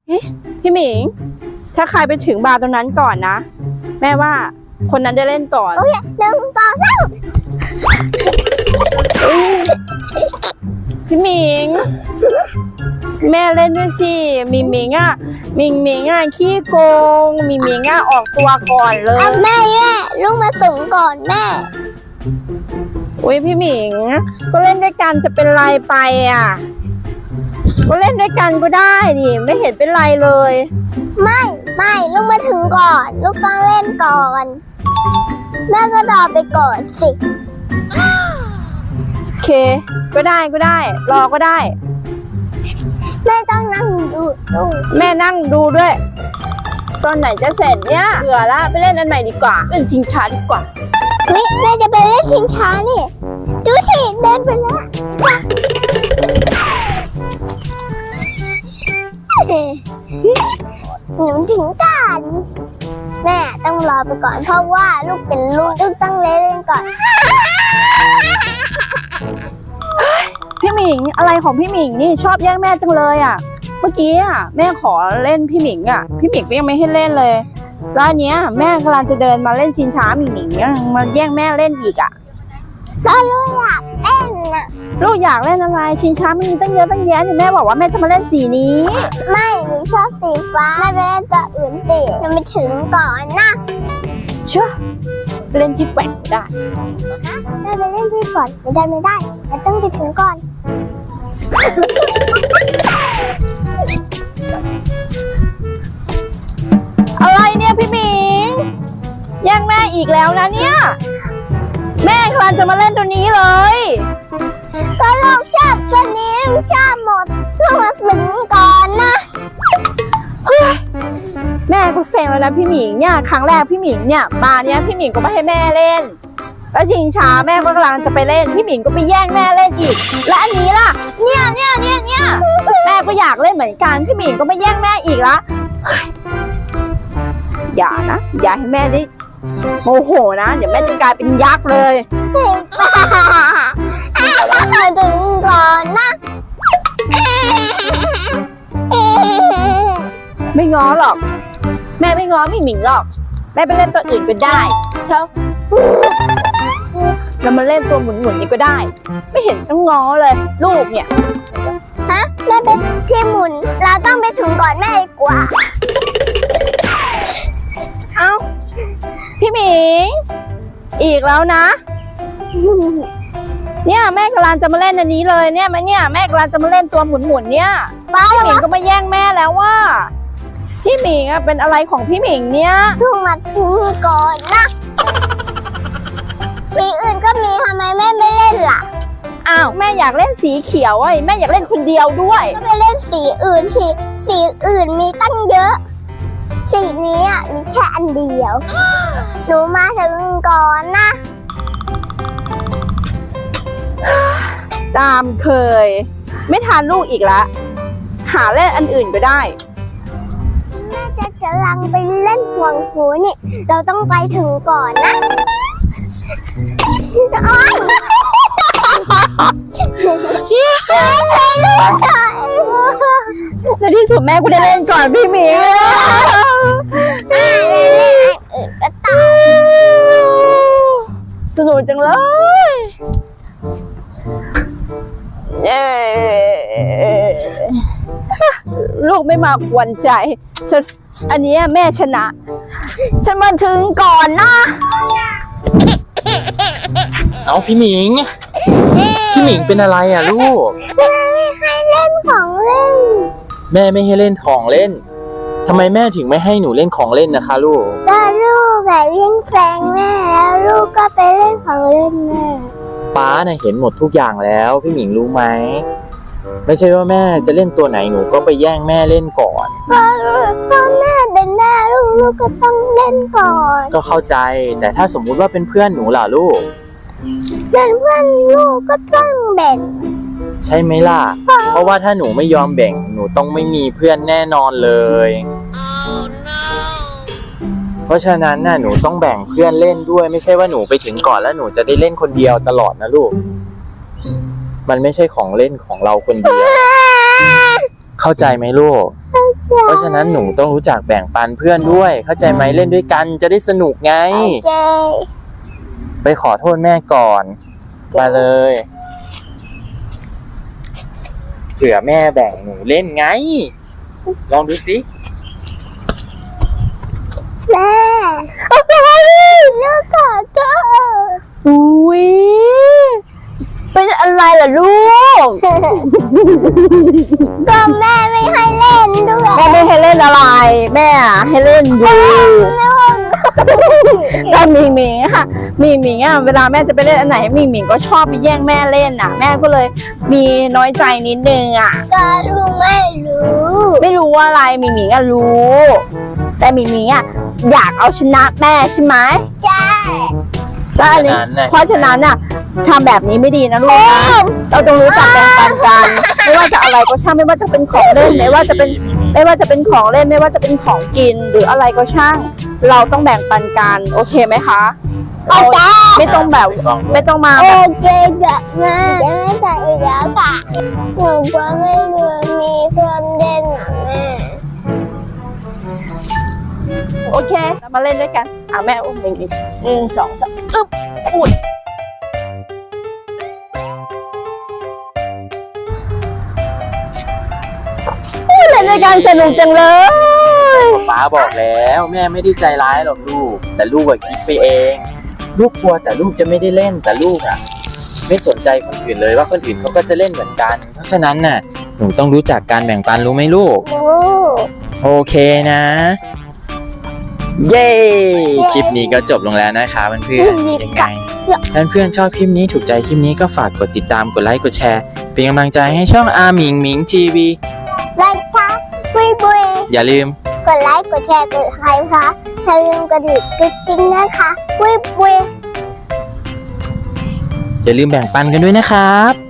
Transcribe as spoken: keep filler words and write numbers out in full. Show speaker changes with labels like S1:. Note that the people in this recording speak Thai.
S1: พี่หมิงถ้าใครไปถึงบาร์ตรงนั้นก่อนนะแม่ว่าคนนั้นได้เล่นก่อน
S2: โอเคหนึ่งสองสาม
S1: พี่หมิงแม่เล่นด้วยสิมิงมิงอ่ะมิงมิงอ่ะขี้โกงมิงมิงอ่ะออกตัวก่อนเลย
S2: อ่ะแม่แม่ลูกมาสูงก่อนแม่
S1: อุ้ยพี่หมิงก็เล่นด้วยกันจะเป็นไรไปอ่ะก็เล่นด้วยกันก็ได้ดิไม่เห็นเป็นไรเลย
S2: ไม่ไม่ลูกมาถึงก่อน ลูกต้องเล่นก่อนแม่ก็รอไปก่อนสิ
S1: โอเคก็ได้ก็ได้รอก็ได้
S2: แม่ต้องนั่งดูดู
S1: แม่นั่งดูด้วยตอนไหนจะเสร็จเนี่ยเบื่อละไปเล่นอันใหม่ดีกว่าเล่นชิงช้าดีกว่า
S2: นี่แม่จะไปเล่นชิงช้านี่ดูสิเดินไปแล้วหนูถึงกันแม่ต้องรอไปก่อนเพราะว่าลูกเป็นลูกลูกต้องเล่นก่อน
S1: พี่หมิงอะไรของพี่หมิงนี่ชอบแย่งแม่จังเลยอ่ะเมื่อกี้อ่ะแม่ขอเล่นพี่หมิงอ่ะพี่หมิงก็ยังไม่ให้เล่นเลยแล้วอันเนี้ยแม่กำลังจะเดินมาเล่นชิงช้าหมิงหมิงยังมาแย่งแม่เล่นอีกอ่ะ
S2: แล้วลูกอยากเล่นน่ะ
S1: ลูกอยากเล่นอะไรชิงช้ามันมีตั้งเยอะตั้งแยะเนี่ยแม่บอกว่าแม่จะมาเล่นสีนี้
S2: ไม่หนูชอบสีฟ้าแม่ไปเล่นตัวอื่นสิยังไม่ถึงก่อนนะ
S1: เชื่อไปเล่นที่แกว่งก็ได้
S2: แม่ไปเล่นที่ก่อนไม่ได้ไม่ได้แม่ต้องไปถึงก่อน
S1: อะไรเนี่ยพี่หมิงแย่งแม่อีกแล้วนะเนี่ยแม่กำลังจะมาเล่นตัวนี้เลย
S2: ก็ลูกชอบตัวนี้ลูกชอบหมดลูกมาถึงก่อนนะ
S1: แม่ก็เซ็งแล้วนะพี่หมิงเนี่ยครั้งแรกพี่หมิงเนี่ยมาเนี่ยพี่หมิงก็ไม่ให้แม่เล่นแล้วชิงช้าแม่ก็กำลังจะไปเล่นพี่หมิงก็ไปแย่งแม่เล่นอีกและอันนี้ล่ะเนี่ยเนี่ยเนี่ยเนี่ยแม่ก็อยากเล่นเหมือนกันพี่หมิงก็ไม่แย่งแม่อีกละอย่านะอย่าให้แม่ได้โมโหนะเดี๋ยวแม่จะกลายเป็นยักษ์เลย
S2: ถึงก่อนนะ
S1: ไม่ง้อหรอกแม่ไม่ง้อพี่หมิงหรอกแม่ไปเล่นตัวอื่นก็ได้เช่าแล้วมาเล่นตัวหมุนๆนี่ก็ได้ ไม่เห็นต้องง้อเลยลูกเนี่ย
S2: ฮะแม่เป็นที่หมุนเราต้องไปถึงก่อนแม่ดีกว่า
S1: เอ้าพี่หมิงอีกแล้วนะ เนี่ยแม่กำลังจะมาเล่นอันนี้เลยเนี่ยแม่เนี่ยแม่กำลังจะมาเล่นตัวหมุนๆเนี่ย
S2: ป้า
S1: พี่หมิงก็มาแย่งแม่แล้วว่าพี่หมิงอะเป็นอะไรของพี่หมิงเนี่ย
S2: ลูกมาถึงก่อนนะสีอื่นก็มีทำไมแม่ไม่เล่นล่ะ
S1: อ้าวแม่อยากเล่นสีเขียวไอ้แม่อยากเล่นคนเดียวด้วย
S2: ก็ไปเล่นสีอื่นสีสีอื่นมีตั้งเยอะ สีนี้อ่ะมีแค่อันเดียว หนูมาถึงก่อนนะ
S1: ตามเคย ไม่ทานลูกอีกละหาเล่นอันอื่นก็ได้
S2: แม่จะกำลังไปเล่นห่วงหูนี่ เราต้องไปถึงก่อนนะโอ๊ยช่วยลูกหน่อย
S1: ในที่สุดแม่ก็ได้เล่นก่อนพี่หมิง
S2: แม่เล่นอันอื่นก็ตาม
S1: สนุกจังเลยเย้ลูกไม่มากวนใจฉันอันนี้แม่ชนะ ฉันมาถึงก่อนนะ
S3: เอาพี่หมิง พี่หมิงเป็นอะไรอ่ะลูก
S2: แม่ไม่ให้เล่นของเล่น
S3: แม่ไม่ให้เล่นของเล่นทำไมแม่ถึงไม่ให้หนูเล่นของเล่นนะคะลูก
S2: ก็ลูกแบบวิ่งแซงแม่แล้วลูกก็ไปเล่นของเล่นแม่
S3: ป้าน่ะเห็นหมดทุกอย่างแล้วพี่หมิงรู้ไหมไม่ใช่ว่าแม่จะเล่นตัวไหนหนูก็ไปแย่งแม่เล่นก่อน
S2: ก็ก็แม่เป็นแม่ลูกลูกก็ต้องเล่นก่อน
S3: ก็เข้าใจแต่ถ้าสมมุติว่าเป็นเพื่อนหนูล่ะลูก
S2: เป็นเพื่อนลูกก็ต้องแบ่ง
S3: ใช่ไหมล่ะ เพราะว่าถ้าหนูไม่ยอมแบ่งหนูต้องไม่มีเพื่อนแน่นอนเลย เพราะฉะนั้นน่ะหนูต้องแบ่งเพื่อนเล่นด้วยไม่ใช่ว่าหนูไปถึงก่อนแล้วหนูจะได้เล่นคนเดียวตลอดนะลูกมันไม่ใช่ของเล่นของเราคนเดียวเข้าใจไหมลูก เพราะฉะนั้นหนูต้องรู้จักแบ่งปันเพื่อนด้วย เข้าใจไหมเล่นด้วยกันจะได้สนุกไง
S2: โอเค
S3: ไปขอโทษแม่ก่อนมาเลยเผื่อแม่แบ่งหนูเล่นไง ลองดูสิ
S2: แม่ลูกขอโทษ
S1: อุ้ยเป็นอะไรล่ะลูก
S2: ก็แม่ไม่ให้เล่นด้วย
S1: แม่ไม่ให้เล่นอะไร แม่อะให้เล่นอยู่ก็มีหมิงอะค่ะมีหมิงอ่ะเวลาแม่จะไปเล่นอันไหนมีหมิงก็ชอบไปแย่งแม่เล่นอ่ะ แม่ก็เลยมีน้อยใจนิดนึงอ่ะ
S2: ก็ลูกไม่รู้
S1: ไม่รู้ว่าอะไรมีหมิงอ่ะรู้ แต่มีหมิงอ่ะอยากเอาชนะแม่ใช่ไหม
S2: ใช่
S1: ก็อันนี้
S3: ฉะนั้นน่ะ
S1: เพราะฉะนั้นน่ะทำแบบนี้ไม่ดีนะลูกนะเราต้องรู้จักแบ่งปันกัน ไม่ว่าจะอะไรก็ช่างไม่ว่าจะเป็นของเล่นไม่ว่าจะเป็นไม่ว่าจะเป็นของเล่นไม่ว่าจะเป็นของกินหรืออะไรก็ช่าง เราต้องแบ่งปันกันโอเคไหมคะ
S2: โอเค
S1: ไม่ต้องแบบไม่ต้องมา
S2: โอ
S1: แบบ
S2: เคกับแม่จะไม่ต่ออีกแล้วค่ะหนูก็ไม่รู้มีเพื่อนเล่นนะแม่
S1: โอเคเรามาเล่นด้วยกันอ่ะแม่อุ้มหนึ่งอีกหนึ่งสองสามอึ๊บอุ้ยเล่นด้วยกันสนุกจังเลย
S3: ป้าบอกแล้วแม่ไม่ได้ใจร้ายหรอกลูก แต่ลูกอะคิดไปเอง ลูกกลัวแต่ลูกจะไม่ได้เล่นแต่ลูกอะไม่สนใจคนอื่นเลยว่าคนอื่นเขาก็จะเล่นเหมือนกัน เพราะฉะนั้นน่ะหนูต้องรู้จักการแบ่งปันรู้ไหมลูก
S2: โอ้
S3: โอเคนะ เย้ คลิปนี้ก็จบลงแล้วนะคะเพื่อนๆยังไงเพื่อนๆชอบคลิปนี้ถูกใจคลิปนี้ก็ฝากกดติดตามกดไลค์กดแชร์เป็นกำลังใจให้ช่องอาหมิงหมิงทีวี
S2: ไลค์ค่ะบุยบุย
S3: อย่าลืม
S2: กดไลค์กดแชร์กดไลค์ค่ะอย่าลืมกระดิ่งกระดิ่งนะคะบุยบุย
S3: อย่าลืมแบ่งปันกันด้วยนะครับ